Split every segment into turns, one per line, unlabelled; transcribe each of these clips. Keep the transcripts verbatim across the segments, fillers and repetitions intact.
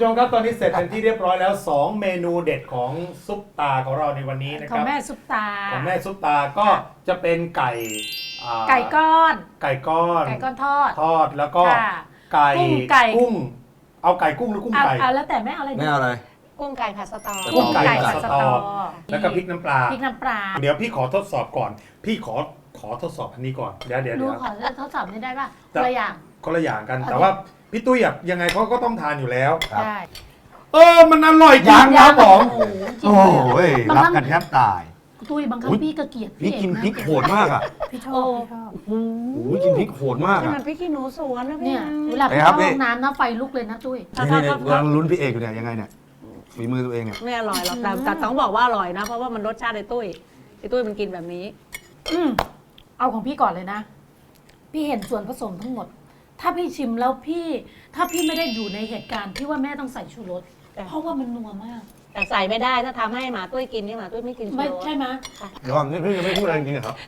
มครับตอนนี้เสร็จเป็นที่เรียบร้อยแล้วสองเมนูเด็ดของซุปตาของเราในวันนี้นะค
ขอ
รั
ง
บ
แม่ซุปตา
ของแม่ซุปตาก็จะเป็นไก่อ่า
ไก่ก้อน
ไก่ก้อน
ไก่ก้อนทอด
ทอดแล้วก็
ค่ะ
ไก่
กุ้งไก่
กุ้งเอาไก่กุ้งหรือกุ้ง
เอา
ไก่
เอาแล้วแต่แม่เอาอะไรดี
ไม่เอาอะไร
กุ้งไก่ผัดสตอ
กุ้งไก่
ผัด
ผัด
ส
ส
ต
ต
อ
อ แล้วก็พริกน้ำปลา
พริกน้ำปลา
เดี๋ยวพี่ขอทดสอบก่อน พี่ขอขอทดสอบอันนี้ก่อนเดี๋ยวเดี๋ยว
หนู
เดี๋ยว
ขอทดสอบนี้ได้ป่ะ
จะ
ตัวอย่าง
คนละอย่างกัน
โอเค
แต่ว่าพี่ตุ้ยอะยังไงเขาก็ต้องทานอยู่แล้ว
ครับ
ได้
เออมันอร่อยจริงครับผม
โอ้โหจริง
โอ้
เลย
โห
บาง
รั
ค
บ
รั้ง
กันแทบตาย
ตุ้ยบางครั้ง
อุ๊ย
พี่ก็เกลียด
พี่กิน
เองะ
พริกโหดมากอ่ะ
พี่ชอบพี่ชอบ
โอ้โหกินพริกโหดมาก
ข
อ่ะ
นาดพี่ขี้หนูสวนนะพี่
เนี่ย
นะ
เวลา
ไป
ไป
ครั
เข้า
บพี่
ห้องน้ำนะไฟลุกเลยนะตุ้ย
นี่นี่กำลังลุ้นพี่เอกอยู่เนี่ยยังไงเนี่ยฝีมือตัวเองเนี่ย
ไม่อร่อยหรอกแต่แต่ต้องบอกว่าอร่อยนะ เพราะว่ามันรสชาติไอ้ตุ้ยไอ้ตุ้ยมันกินแบบนี้
อืมเอาของพี่ก่อนเลยนะ พี่เห็นส่วนผสมทั้งหมด ถ้าพี่ชิมแล้วพี่ ถ้าพี่ไม่ได้อยู่ในเหตุการณ์ที่ว่าแม่ต้องใส่ชูรส
จ้ะ
เพราะว่ามันนัวมาก
แต่ใส่ไม่ได้ถ้าทำให้หมาตุ้ยกินนี่หมาตุ้ยไม่กินชู
ไม่
รส
ใช่ไหม
เดี๋ยวก่อนนี่พี่จะไม่พูดอะไรจริงๆเหรอครับ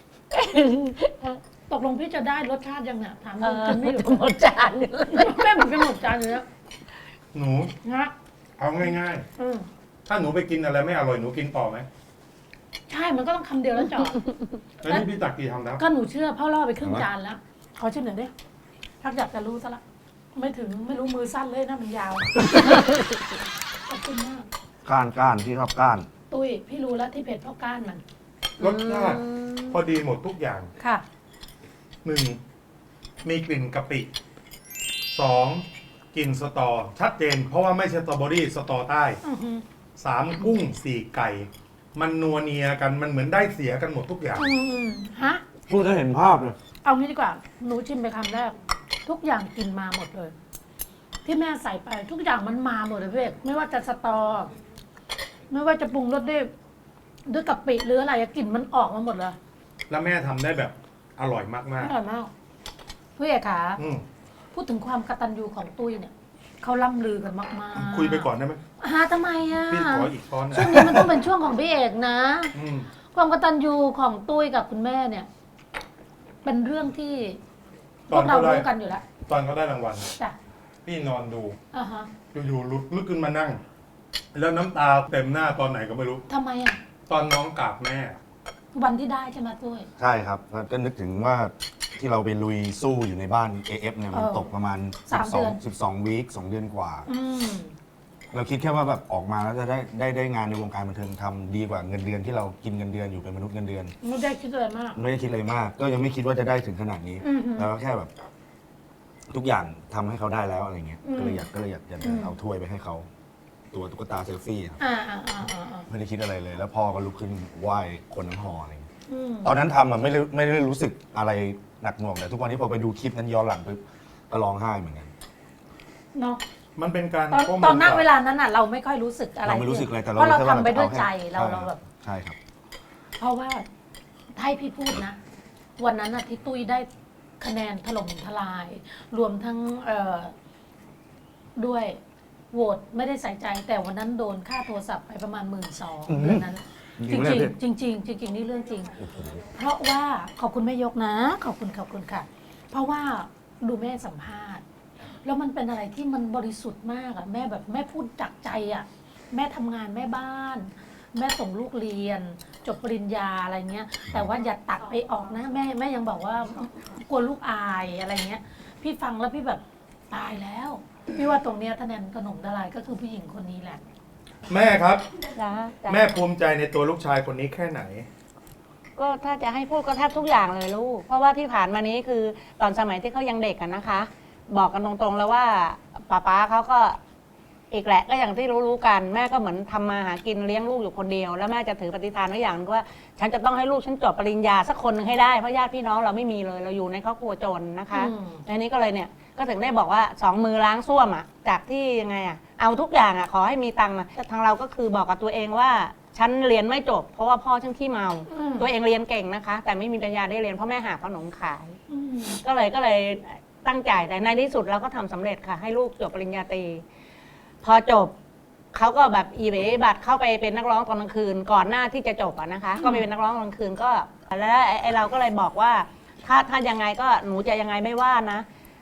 ตกลงพี่จะได้รสชาติยังเนี่ยถาม
เอ
จ
อน
ไม่
ไม่
อยู่
จะหมดจานเลย
แม่เหมือนกันหมดจานเลยนะ
หนู
นะ
เอาง่าย
อืม
ๆ ถ้าหนูไปกินอะไรไม่อร่อยหนูกินต่อไหม
ใช่มันก็ต้องคำเดียวแล้วจอด
แล้วนี่พี่ตักกี่ทำแล้ว
ก็หนูเชื่อพ่อล่อไปครึ่งจานแล้ว ขอชิมหน่อยดิทักอยากจะรู้ซะละไม่ถึงไม่รู้มือสั้นเลยนะมันยาวขอบคุณมาก
ก้านก้านที่ชอบก้าน
ตุ้ยพี่รู้แล้วที่เผ็ดเพราะก้านมัน
รสชาติพอดีหมดทุกอย่าง
ค่ะ
หนึ่งมีกลิ่นกะปิสองกลิ่นสตอชัดเจน เพราะว่าไม่ใช่สตรอเบอรี่สตอใต้
อือหือ
สามกุ้งสี่ไก่ มันนัวเนียกันมันเหมือนได้เสียกันหมดทุกอย่าง
อืมฮะ
พูดจะเห็นภาพเลย
เอางี้ดีกว่า หนูชิมไปคำแรก ทุกอย่างกินมาหมดเลย ที่แม่ใส่ไป ทุกอย่างมันมาหมดเลยพี่เอกไม่ว่าจะสตอ ไม่ว่าจะปรุงรสด้วยด้วยกะปิหรืออะไรอะกลิ่นมันออกมาหมดเลย
แล้วแม่ทำได้แบบอร่อยมาก
อร่อยมากพี่เอกขา
ๆอืม
พูดถึงความกตัญญูของตุ้ยเนี่ยเขาล่ำลือกันมากๆ
คุยไปก่อนได้ไหม
ฮะทำไมอ่ะ
พี่ขออีกช้อนนะ
ช่วงนี้มันต้องเป็นช่วงของพี่เอกนะ
อืม
ความกตัญญูของตุ้ยกับคุณแม่เนี่ย เป็นเรื่องที่พ
ตอ
วน กเรา
เขาได้
รู้กันอยู่แล้ว
ตอนเขาได้รางวัล
จ้ะ
พี่นอนดู
อ่าฮะ
อยู่ๆลุกลุกขึ้นมานั่ง แล้วน้ำตาเต็มหน้าตอนไหนก็ไม่รู้
ทำไมอ่ะ
ตอนน้องกราบแม่
วันที่ได้ใช่ไหมตุ้ย
ใช่ครับก็นึกถึงว่าที่เราไปลุยสู้อยู่ในบ้าน เอ เอฟ เนี่ยมัน
เออ
ตกประมาณ
สามเดือน
สิบสองวีคสองเดือนกว่า
อืม
เราคิดแค่ว่าแบบออกมาแล้วจะได้ได้ได้งานในวงการบันเทิงทำดีกว่าเงินเดือนที่เรากินเงินเดือนอยู่เป็นมนุษย์เงินเดือน
ไม่ได้คิดอะไรมาก
ไม่ได้คิดอะไรมาก ก็ยังไม่คิดว่าจะได้ถึงขนาดนี้
อือหือ
แล้วก็แค่แบบ ทุกอย่างทำให้เขาได้แล้วอะไรเงี้ย
อืม
ก็เลยอยากก็เลยอยากจะ
อืม
เอาถ้วยไปให้เขา ตัวตุ๊กตาเซลฟี่ครับ
อ่าอ่าอ่าอ่าอ่า
ไม่ได้คิดอะไรเลย แล้วพ่อก็ลุกขึ้นไหว้คนน้ำหออะไรเงี้ย
อืม
ตอนนั้นทำอะไม่ได้ไม่ได้รู้สึกอะไรหนักหน่วงแต่ทุกวันนี้พอไปดูคลิปนั้นย้อนหลังปุ๊บก็ร้องไห้เหมือนกัน
เนาะ
มันเป็นการ
ตอน
ข้มูล
ตอนนั้น
จก
เวลานั้นอ่ะ เราไม่ค่อยรู้สึกอะไร
เราไม่รู้สึกอะไรแต่เรา
เพราะเรา
แค่
ทำไปด้วย
อ
ใจ
ให้
เราเราแบบ
ใช่ครับ
เพราะว่าถ้าให้พี่พูดนะ วันนั้นน่ะที่ตุ้ยได้คะแนนถล่มทลาย รวมทั้งเอ่อด้วยโหวตไม่ได้ใส่ใจ แต่วันนั้นโดนค่าโทรศัพท์ไปประมาณหมื่นสอง
อืม
เดือนนั้น
จ
จ
ริ
ริ
ง
ง
ไหมเนี่ย
จริงจริงๆจริงๆนี่เรื่องจริง
โอ้โห
เพราะว่าขอบคุณแม่ยกนะ ขอบคุณขอบคุณค่ะ เพราะว่าดูแม่สัมภาษณ์ แล้วมันเป็นอะไรที่มันบริสุทธิ์มากอะแม่แบบแม่พูดจากใจอะแม่ทำงานแม่บ้าน แม่ส่งลูกเรียน จบปริญญาอะไรเงี้ย แต่ว่าอย่าตัดไปออกนะ แม่แม่ยังบอกว่ากลัวลูกอายอะไรเงี้ย พี่ฟังแล้วพี่แบบตายแล้ว พี่ว่าตรงเนี้ยถ้าแนนขนมละลายก็คือผู้หญิงคนนี้แหละ
แม่ครับ
จ้ะจ้ะ
แม่ภูมิใจในตัวลูกชายคนนี้แค่ไหน
ก็ถ้าจะให้พูดก็แทบทุกอย่างเลยลูก เพราะว่าที่ผ่านมานี้คือตอนสมัยที่เขายังเด็กกันนะคะ บอกกันตรงๆแล้วว่าป้าป๊าเขาก็อีกแหละก็อย่างที่รู้ๆกันแม่ก็เหมือนทำมาหากินเลี้ยงลูกอยู่คนเดียวแล้วแม่จะถือปฏิฐานไว้อย่างนึงว่า ฉันจะต้องให้ลูกฉันจบปริญญาสักคนหนึ่งให้ได้เพราะญาติพี่น้องเราไม่มีเลยเราอยู่ในครอบครัวจนนะคะ
อืม
อันนี้ก็เลยเนี่ยก็ถึงได้บอกว่าสองมือล้างส้วมอ่ะจากที่ยังไงอ่ะเอาทุกอย่างอ่ะขอให้มีตังค์อ่ะแต่ทางเราก็คือบอกกับตัวเองว่าฉันเรียนไม่จบ เพราะว่าพ่อฉันขี้เมา
อืม
ตัวเองเรียนเก่งนะคะ แต่ไม่มีปัญญาได้เรียนเพราะแม่หาขนมขาย
อืม
ก็เลยก็เลยตั้งใจแต่ในที่สุดเราก็ทำสำเร็จค่ะ ให้ลูกจบปริญญาตรีพอจบเขาก็แบบอีเบบัตรเข้าไปเป็นนักร้องตอนกลางคืน ก่อนหน้าที่จะจบอะนะคะ ก็ไปเป็นนักร้องตอนกลางคืนก็แล้วไอ้เราก็เลยบอกว่า ถ้าถ้ายังไงก็หนูจะยังไงไม่ว่านะ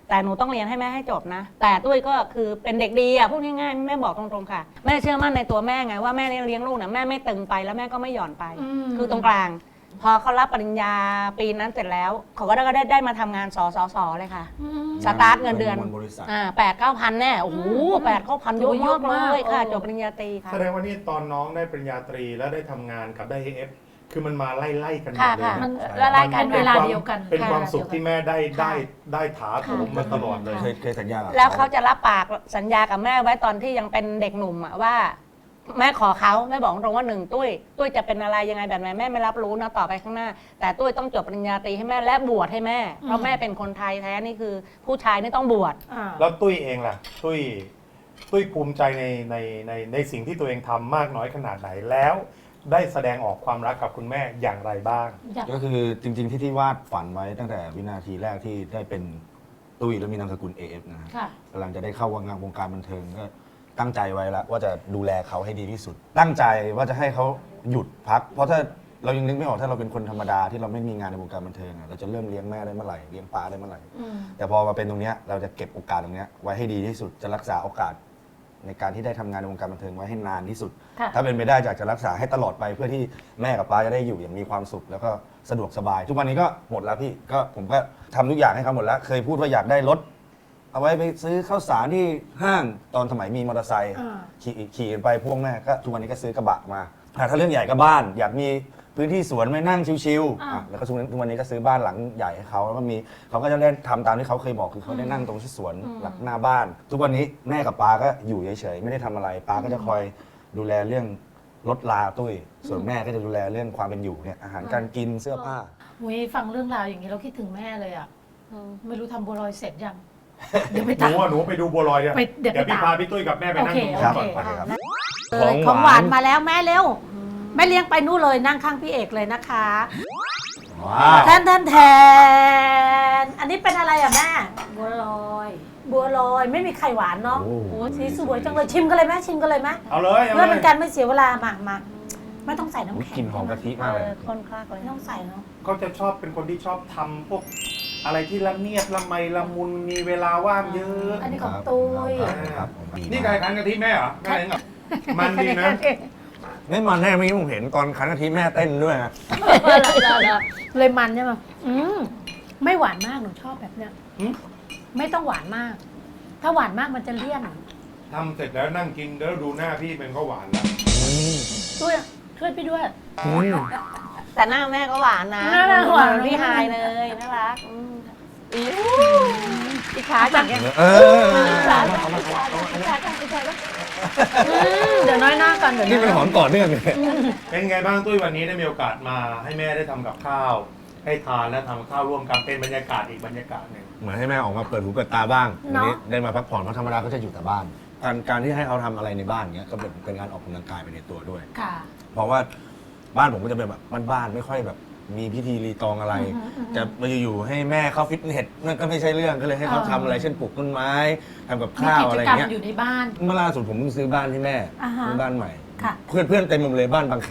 แต่หนูต้องเรียนให้แม่ให้จบนะ แต่ตุ้ยก็คือเป็นเด็กดีอ่ะพูดง่ายๆแม่บอกตรงๆค่ะแม่เชื่อมั่นในตัวแม่ไงว่าแม่เลี้ยงลูกเนี่ยแม่ไม่ตึงไปแล้วแม่ก็ไม่หย่อนไป
อืม
คือตรงกลาง พอเขารับปริญญาปีนั้นเสร็จแล้ว เขาก็ได้ได้ได้มาทำงานสสสเลยค่ะ
อืม
สตาร์ทเงินเดือน
บริษัท
อ่าแปดเก้าพันแน่โอ้โหแปดเก้าพันเยอะ
เยอะ
มาก
มาก
เลยค่ะ
เออ
จบปริญญาตรีค่ะ
แสดงว่านี่ตอนน้องได้ปริญญาตรีแล้วได้ทำงานกับได้เอฟคือมันมาไล่ๆกันหมด
ค่ะ
เลย
ค่ะ
นะ
มัน
ละลายกัน
เป็นเวลาเดียวกัน
เป็นความ
ค่ะ
สุขที่แม่ได้
ค่ะ
ได้ได้ถาโถมมาตลอดเลย
เคยเคยสัญญากับ
แล้วเขาจะรับปากสัญญากับแม่ไว้ตอนที่ยังเป็นเด็กหนุ่มอะว่า แม่ขอเขาแม่บอกตรงว่าหนึ่งตุ้ยตุ้ยจะเป็นอะไรยังไงแบบไหนแม่ไม่รับรู้นะต่อไปข้างหน้า แต่ตุ้ยต้องจบปริญญาตรีให้แม่และบวชให้แม่เพราะแม่เป็นคนไทยแท้นี่คือ ผู้ชายนี่ต้องบวช
อ่า
แล้วตุ้ยเองล่ะ ตุ้ยตุ้ยภูมิใจในในในในสิ่งที่ตัวเองทำมากน้อยขนาดไหนแล้ว ได้แสดงออกความรักกับคุณแม่อย่างไรบ้าง
อยาก
ก็คือจริง ๆ ที่ที่วาดฝันไว้ตั้งแต่วินาทีแรกที่ได้เป็นตุ้ยแล้วมีนามสกุล เอ เอฟ นะครับ
ค่ะ
กำลังจะได้เข้าวงการวงการบันเทิงก็ตั้งใจไว้แล้วว่าจะดูแลเขาให้ดีที่สุด ตั้งใจว่าจะให้เขาหยุดพัก เพราะถ้าเรายังนึกไม่ออกถ้าเราเป็นคนธรรมดาที่เราไม่มีงานในวงการบันเทิงอะเราจะเริ่มเลี้ยงแม่ได้เมื่อไหร่เลี้ยงป้าได้เมื่อไหร่
อืม
แต่พอมาเป็นตรงเนี้ยเราจะเก็บโอกาสตรงเนี้ยไว้ให้ดีที่สุดจะรักษาโอกาสในการที่ได้ทำงานในวงการบันเทิงไว้ให้นานที่สุด
ค่ะ
ถ้าเป็นไปได้อยากจะรักษาให้ตลอดไปเพื่อที่แม่กับป้าจะได้อยู่อย่างมีความสุข แล้วก็สะดวกสบาย ทุกวันนี้ก็หมดแล้วพี่ก็ผมก็ทำทุกอย่างให้เขาหมดแล้ว เคยพูดว่าอยากได้รถ เอาไว้ไปซื้อข้าวสารที่ห้างตอนสมัยมีมอเตอร์ไซค์
อ่า
ขี่ขี่กันไปพวกแม่ก็ทุกวันนี้ก็ซื้อกระบะมาอ่ะถ้าเรื่องใหญ่ก็บ้าน อยากมีพื้นที่สวนไว้นั่งชิวๆ
อ่า
อ่ะแล้วก็ทุกวันทุกวันนี้ก็ซื้อบ้านหลังใหญ่ให้เขาแล้วก็มีเขาก็จะเล่นทำตามที่เขาเคยบอกคือเขาได้นั่งตรงที่สวนหลังหน้าบ้าน ทุกวันนี้แม่กับป้าก็อยู่เฉยๆไม่ได้ทำอะไรป้าก็จะคอยดูแลเรื่องรถลาตุ้ยส่วนแม่ก็จะดูแลเรื่องความเป็นอยู่เนี่ยอาหารการกินเสื้อผ้า
หุยฟังเรื่องราวอย่างนี้เราคิดถึงแม่เลยอ่ะ
อืม
ไม่รู้ทำบัวลอยเสร็จยัง เดี๋ยวไป
หนู
ตาม
อ่ะหนูไปดูบัวลอยเนี่ย
ไปเดี๋ยวไป
พี่
ตาม
พาพี่ตุ้ยกับแม่ไปนั่ง
โอเค
ตรงนู้นก่อน
โอเค
ไปครับ
เอ้ยของหวานมาแล้วแม่เร็วแม่เลี้ยงไปนู่นเลยนั่งข้างพี่เอกเลยนะคะ
ว้าว
แทนแทนแทนอันนี้เป็นอะไรอ่ะแม่
บัวลอย
บัวลอยไม่มีไข่หวานเนาะ
โอ้โห
โอ้สีสวยจังเลยชิมกันเลยไหมชิมกันเลยไหม
เอาเลยเอา
เพื่อ
เล
เป็น
ย
การไม่เสียเวลามามาไม่ต้องใส่น้ำ
อุ๊ย
แข็ง
กลิ่นหอมกะทิมากเลย
เออคนคลากเลย
ไม่ต้องใส่เนาะ
เขาจะชอบเป็นคนที่ชอบทำพวกอะไรที่ละเมียดละไมละมุนมีเวลาว่างเยอะ
อันนี้ของตุ้ย
ครับผมดี
นี่
มาก
ไก่คันกะทิแม่เหรอแม่เลี้ยงเหรอมันดีนะ
ไม่มันแน่เมื่อกี้ผมเห็นตอนคันกะทิแม่เต้นด้วยนะ
เลยมันใช่ไหมอืมไม่หวานมากหนูชอบแบบเนี้ย
หืม
ไม่ต้องหวานมาก ถ้าหวานมากมันจะเลี่ยน
ทำเสร็จแล้วนั่งกินแล้วดูหน้าพี่เป็นก็หวานแล้ว
ช่วยช่วยพี่ด้วย
แต่หน้าแม่ก็หวานนะ
หน้าแม่หวาน
เหมือพี่ฮายเลยน่ารักอืมอีอิจฉาจัง
เออ
อิจฉาจังอิจฉาจังอิจฉาจังอิจฉาจัง
อืมเดี๋ยวน้อยหน้ากันเดี๋ยว
นี่เป็นหอมต่อเนื่องเลย
เป็นไงบ้างตุ้ยวันนี้ได้มีโอกาสมาให้แม่ได้ทำกับข้าว ให้ทานและทำกับข้าวร่วมกันเป็นบรรยากาศอีกบรรยากาศหนึ่ง
เหมือนให้แม่ออกมาเปิดหูเปิดตาบ้างวันนี้ได้มาพักผ่อนเพราะธรรมดาเขาจะอยู่แต่บ้าน การการที่ให้เขาทำอะไรในบ้านเนี้ยก็เป็นเป็นการออกกำลังกายไปในตัวด้วย
ค่ะ
เพราะว่าบ้านผมก็จะเป็นแบบบ้านๆไม่ค่อยแบบมีพิธีรีตองอะไร
อือฮึอือฮึ
จะมาอยู่ๆให้แม่เข้าฟิตเนสนั่นก็ไม่ใช่เรื่องก็เลยให้เขา
เออ
ทำอะไรเช่นปลูกต้นไม้ทำกับ
มี
ข้าว
กิ
อะ
จ
ไร
กรรม
เงี้ย
อยู่ในบ้าน
เมื่อล่าสุดผมเพิ่งซื้อบ้านให้แม่
อ่าฮะ
ซื้อบ้านใหม่
ค่ะ
เพื่อนเพื่อนๆเต็มไปหมดเลยบ้านบางแค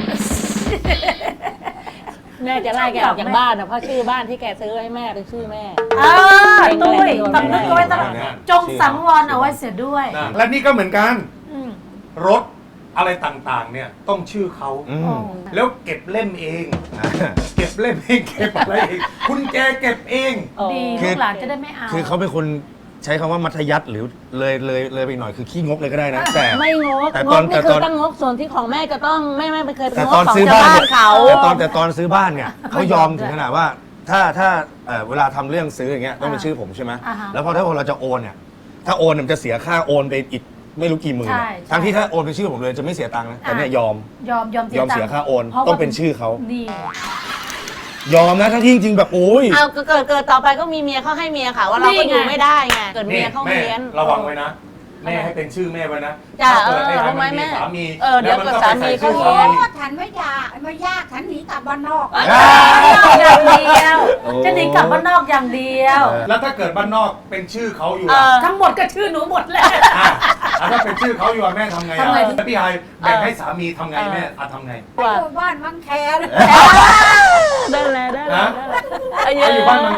แม่จะไล่แกออกจากบ้านนะเพราะชื่อบ้านที่แกซื้อให้แม่เป็นชื่อแม่
เออตุ้ยต้องนึกเอาไว้ต้องจงสังวรเอาไว้เสียด้วย
นะและนี่ก็เหมือนกัน
อืม
รถอะไรต่างๆ เนี่ยต้องชื่อเขา
อื
โอ้
ม
แล้วเก็บเล่มเอง เก็บเล่มเองเก็บอะไรเองคุณแกเก็บเอง
ดี
คื
ลู
อ
กหลานจะได้ไม่เอา
คือเขาเป็นคนใช้คำว่ามัธยัสถ์หรือเลยเลยเลยไปอีกหน่อยคือขี้งกเลยก็ได้นะ แต่
ไม่งก
แต่
ง
ตอก น
นี่
แต่
คื
ตอ
อน ตั้งงกส่วนที่ของแม่จะต้องแม่ไม่เคยเป็น
แต่
ง
ต
ก
อน
ของ
ซื้อ
ชาว
บ้าน
บ้าน
เนี่ย
เขา
แต่ตอนแต่ตอนซื้อบ้านเนี่ยเขายอมถึงขนาดว่า ถ้าถ้าเอ่อเวลาทำเรื่องซื้ออย่างเงี้ยต้องเป็นชื่อผมใช่ไหม
อ่าฮะ
แล้วพอถ้าเราจะโอนเนี่ยถ้าโอนเนี่ยมันจะเสียค่าโอนไปอีกไม่รู้กี่หมื่น
ใช่
อะ
ใช่
ทั้งที่ถ้าโอนเป็นชื่อผมเลยจะไม่เสียตังค์นะแต่เนี่ยยอม
ยอมยอม
ยอมเสีย
ตัง
ค่าโอน
พระว่
ต้องเป็นชื่อเขา
นี่
ยอมนะทั้งที่จริงๆแบบโอ้ย
เอาเกิดเกิดต่อไปก็มีเมียเขาให้เมียค่ะว่าเราก็อยู่ไม่ได้ไงเกิดเมี
นี่
ยเขา
แม่
เมียน
ระวังไว้นะ แม่ให้เป็นชื่อแม่ไว้นะ
จ้ะ
ถ้าเกิด
เออ
ใน
รู้ไหม
มันมี
แม่
สามี
เออเดี๋ยว
แล้วน
เกิดสามี
ก็ไปใส่ชื่อ
เขา
สา
โอ้
มี
ฉันไม่อยากไม่ยากฉันหนีกลับบ้านนอก
อย่างเดียว
โอ้
จะหนีกลับบ้านนอกอย่างเดียว
แล้วถ้าเกิดบ้านนอกเป็นชื่อเขาอยู่
เอ
อะ
อ
ทั้งหมดก็ชื่อหนูหมดแหละ
อ่ะอ่ะถ้าเป็นชื่อเขาอยู่อะแม่ทำไงอะ
ทำไง
แล้วพี่ไฮแบ่งให้สามีทำไงแม่อะทำไง
ไปอยู่บ้านมังแค
ได้เลยได้เลย
นะ
ได้เลย
ไปอยู่บ้านบางแค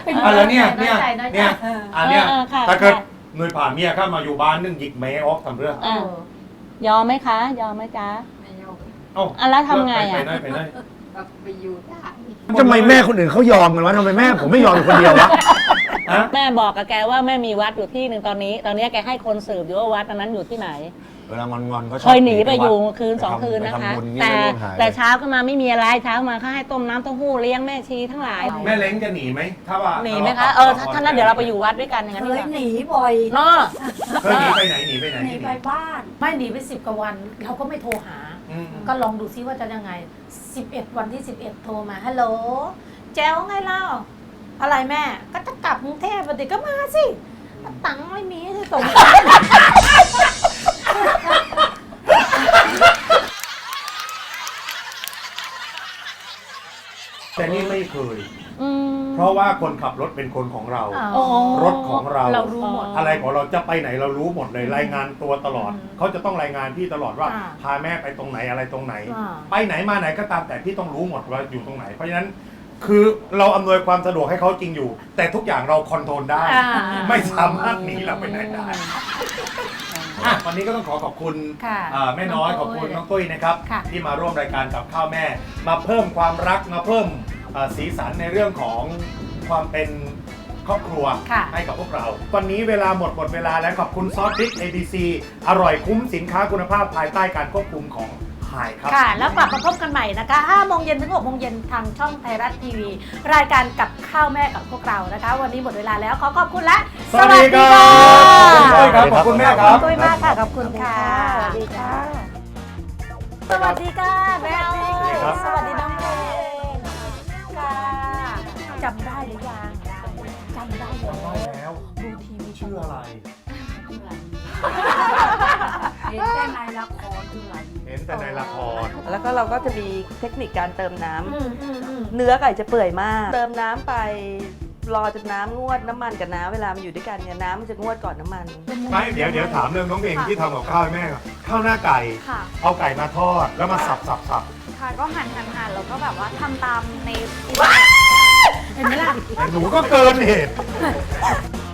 อ่ะแล้วเนี่ยเนี่ย
น้อยใจน้อยใจ
เนี่ยอันเนี้ย
เออค่ะ
ถ้าเกิดหน่วยผ่านเมียเข้ามาอยู่บ้านนึงหยิกแม่ออกทำเรื่อง
อ่ะยอมไหมคะ ยอมไหมจ๊ะ
ไม่ยอม
เอ้า
อ่ะแล้วทำไง
ไป
อ่ะ
ไหนไปไหน
ก็ไปอยู่ได้
ทำไมแม่คนอื่นเขายอมกันวะทำไมแม่ผมไม่ยอมอยู่คนเดียววะ
ฮะ
แม่บอกกับแกว่าแม่มีวัดอยู่ที่หนึ่งตอนนี้ ตอนนี้แกให้คนสืบอยู่ว่าวัดอันนั้นอยู่ที่ไหน
เวลางอนๆก็ชอบ
เคยหนีไปอยู่คืนสองคืน
ไป
นะคะ
ทำบุญนี่
แต่
ไม่ร่วงหาย
แต่เช้าขึ้นมาไม่มีอะไรเช้ามาเขาให้ต้มน้ำเต้าหู้เลี้ยงแม่ชีทั้งหลาย
แม่เล้งจะหนีไหมถ้าว่า
หนีไหมคะเออถ้าถ้านั้นเดี๋ยวเราไปอยู่วัดด้วยกันอย่างนั้น
เค
ดีก
ย
ว่า
หนีบ่อย
เนาะ
เคยหนีไปไหนหนีไปไหน
หนีไปบ้าน
ไม่หนีไปสิบกว่าวัน เราก็ไม่โทรหา
อืม
ก็ลองดูซิว่าจะยังไงสิบเอ็ดวันที่สิบเอ็ดโทรมาฮัลโหลแจ๋วไงเล่าอะไรแม่ก็จะกลับกรุงเทพปกติก็มาสิตังค์ไม่มีจะส่ง
แต่นี่ไม่เคย
อืม
เพราะว่าคนขับรถเป็นคนของเรา
อ๋อ
รถของเรา
เรารู้หมด
อะไรของเราจะไปไหนเรารู้หมดเลยรายงานตัวตลอด
อืม
เขาจะต้องรายงานพี่ตลอดว่า
อ่า
พาแม่ไปตรงไหนอะไรตรงไหน
อ่า
ไปไหนมาไหนก็ตามแต่พี่ต้องรู้หมดว่าอยู่ตรงไหน เพราะฉะนั้นคือเราอำนวยความสะดวกให้เขาจริงอยู่ แต่ทุกอย่างเราคอนโทรลได้
อ่า
ไม่สามารถหนีเราไปไหนได้อ่ะวันนี้ก็ต้องขอขอบคุณ
ค่ะ
อ่าแม่น้อยขอบคุณน้องตุ้ยนะครับ
ค่ะ
ที่มาร่วมรายการกับข้าวแม่ มาเพิ่มความรักมาเพิ่มอ่าสีสันในเรื่องของความเป็นครอบครัว
ค่ะ
ให้กับพวกเรา วันนี้เวลาหมดหมดเวลาแล้วขอบคุณซอสพริก เอ บี ซี อร่อยคุ้มสินค้าคุณภาพภายใต้การควบคุมของหายครับ
ค่ะ แล้วกลับมาพบกันใหม่นะคะห้าโมงเย็นถึงหกโมงเย็นทางช่องไทยรัฐทีวี รายการกับข้าวแม่กับพวกเรานะคะ วันนี้หมดเวลาแล้วขอขอบคุณและ
สวัสดีครับขอบคุณตุ้ยครับขอบคุณแม่ครับ
ตุ้ยมากค่ะ ขอบคุณค่ะ
สวัสดีค่ะ
สวัสดีค่ะแม่อ้อย
ครับ
สวัสดีน้องเพลงค่ะจำได้หรือยังจำได้แล้ว
ได้แล้ว
ดูทีวี
ชื่ออะไร
เห็นแต่ในละครคืออะไร
เห็นแต่ในละคร
แล้วก็เราก็จะมีเทคนิคการเติมน้ำ
อืมอืมอืม
เนื้อไก่จะเปื่อยมาก เติมน้ำไปรอจนน้ำงวดน้ำมันกับน้ำเวลามันอยู่ด้วยกันเนี่ยน้ำมันจะงวดก่อนน้ำมัน
ไม่เดี๋ยวเดี๋ยวถามเรื่องน้องเพลงที่ทำกับข้าวให้แม่ก่อนข้าวหน้าไก่
ค่ะ
เอาไก่มาทอดแล้วมาสับสับสับ
ค่ะก็หั่นหั่นหั่นแล้วก็แบบว่าทำตามใน
เห็นไหมล่ะ
แต่หนูก็เกินเหตุ